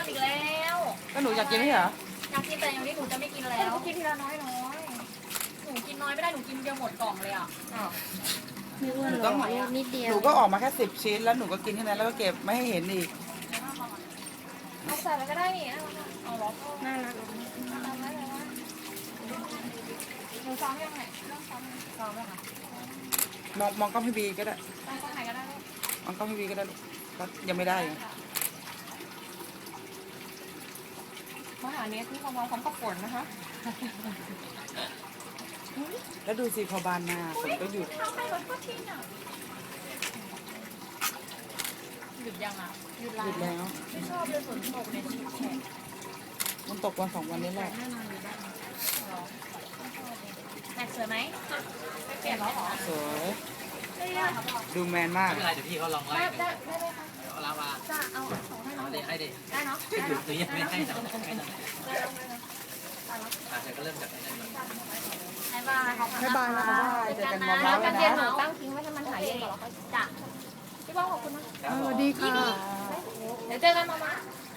อนอีกแล้วก็หนูอยากกินไม่ใช่เหรออยากกินแต่อย่างนี้หนูจะไม่กินแล้วกินทีละน้อยหนูกินน้อยไม่ได้หนูกินเดียวหมดกล่องเลยอ่ะไม่อ้วนหนูหรต้อองกนิดเดียหวนูก็ออกมาแค่10 ชิ้นแล้วหนูก็กินแค่นั้นแล้วก็เก็บไม่ให้เห็นอีกเอาใส่ไปก็ได้นี่เอาล็อกน่ารักทำได้เลยว่าหนูซ้อมยังไงเริ่มซ้อมซ้อมแล้วค่ะมองกล้องพี่บีก็ได้ซ้อมไหนก็ได้มองกล้องพี่บีก็ได้ลูกก็ยังไม่ได้ไงมหาเนสที่เขามาพร้อมกับฝนนะคะแล้วดูสิพอบานมาฝนก็หยุดทำไมรถก็ทิ้งอ่ะหยุดยังอ่ะหยุดหยุดแล้วไม่ชอบเลยฝนตกเนี่ยแฉะมันตกวัน2 วันนี้แหละแน่นอนอยู่ได้แม็กสวยไหมไม่เปลี่ยนแล้วหรอสวยได้ได้ครับดูแมนมากไม่เป็นไรเดี๋ยวพี่เขาลองไล่ได้ได้ไหมคะเอาลาวาจะเอาของให้น้องเอาเด็ให้เด็ได้เนาะให้หยุดหรือยังไม่ให้นะให้นะได้แล้วได้แล้วเดี๋ยวก็เริ่มจากไอ้นั่นก่อนบ๊ายบายขอบคุณบ๊ายบายนะบ๊ายบายเจอกันมอนะเมาส์กักัน นเย็นนะหนูตั้งทิ้งไว้ให้มันหายเย็นก่อนแล้วค่อยจ้ะพี่ป้องขอบคุณนะสวัสดีค่ะเดี๋ยวเจอกันมา